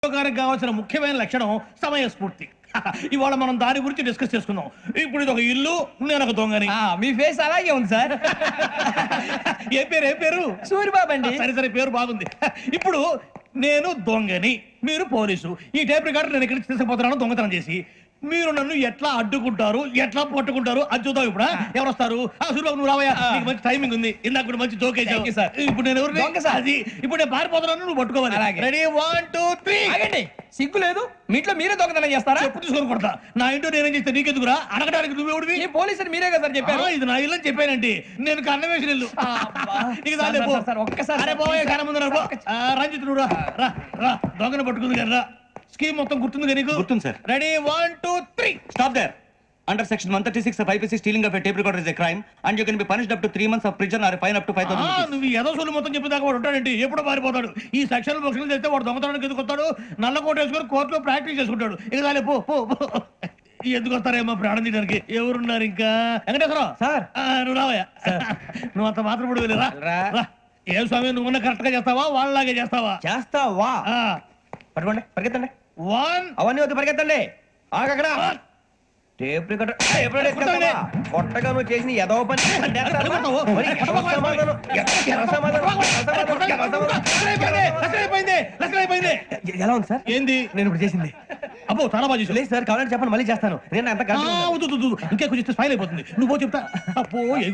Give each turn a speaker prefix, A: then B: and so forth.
A: ఉద్యోగానికి కావాల్సిన ముఖ్యమైన లక్షణం సమయస్ఫూర్తి. ఇవాళ మనం దాని గురించి డిస్కస్ చేసుకుందాం. ఇప్పుడు ఇది ఒక ఇల్లు, నేను ఒక దొంగని.
B: మీ ఫేస్ అలాగే ఉంది సార్.
A: ఏ పేరు?
B: సూరిబాబు అండి.
A: సరే పేరు బాగుంది. ఇప్పుడు నేను దొంగని, మీరు పోలీసు. ఈ టైప్ రికార్డు నేను ఇక్కడికి తీసుకుపోతున్నాను దొంగతనం చేసి. మీరు నన్ను ఎట్లా అడ్డుకుంటారు, ఎట్లా పట్టుకుంటారు అది చూద్దాం. ఇప్పుడు ఎవరు వస్తారు? సూరిబాబు నువ్వు రావయ్యా, నీకు మంచి టైమింగ్ ఉంది. ఇందాక కూడా మంచి జోక్ వేసావు
B: సార్.
A: ఇప్పుడు నేను ఎవరు? అది ఇప్పుడు నేను పారిపోతున్నాను, నువ్వు పట్టుకోవాలి. రెడీ 1 2 3.
B: ఆగండి, సిగ్గు లేదు? మీ ఇంట్లో మీరే దొంగతనం చేస్తారా?
A: ఎప్పుడు తీసుకొని కొడతా. నా ఇంట్లో నేనేం చేస్తే నీకెందుకురా? అడగడానికి నువ్వెవడివి?
B: ఈ పోలీసులు మీరే కదా సార్ చెప్పారు.
A: ఇది నా ఇల్లు అని చెప్పానండి. నేను కన్న వేసిన ఇల్లు.
B: ఒక్కసారి
A: రంజిత్ నువ్వు రా దొంగను పట్టుకుంది కదా. రా స్కీమ్ మొత్తం గుర్తుంది నీకు?
C: గుర్తుంది sir.
A: Ready 1 2 3.
C: Stop there. Under section 136 of IPC, stealing of a tape recorder is a crime and you can be punished up to 3 months of prison or a fine up to 5,000 rupees.
A: నువ్వు ఏదో సొల్లు మొత్తం చెప్పేదాకా వాడు ఉంటాడండి. ఎప్పుడో పారిపోతాడు. ఈ సెక్షన్ బుక్స్లు చేస్తే వాడు దొంగతనానికి ఎందుకు వస్తాడు? నల్ల కోట వేసుకొని కోర్టులో ప్రాక్టీస్ చేసుకుంటాడు. ఇక చాలే పో. ఎందుకు వస్తారేమో ప్రాణం తీయడానికి. ఎవరున్నారు ఇంకా? వెంకటేశ్వరరావు
B: సార్.
A: నువ్వు రావయ్యా. నువ్వు అంత మాత్రం ఇప్పుడు వెళ్ళి రా. ఏం స్వామి నువ్వు కరెక్ట్ గా చేస్తావా వాళ్ళలాగే చేస్తావా?
B: చేస్తావా? పట్టుకోండి, పరిగెత్తండి.
A: 1
B: అవన్నీ వద్దు, పరిగెత్తండి. ఆగక్కడ టేప్ రికార్డర్ కొట్టగా నువ్వు చేసిన ఎదవ పని. ఎలా ఉంది సార్?
A: ఏంది
B: నేను ఇప్పుడు చేసింది?
A: అబ్బో చాలా బాగా చేసావు.
B: లేదు సార్, కావాలంటే చెప్పండి, మళ్ళీ చేస్తాను. నేను అంత
A: ఇంకే కొంచెం స్మైల్ అయిపోతుంది. నువ్వు చెప్తా. అబ్బో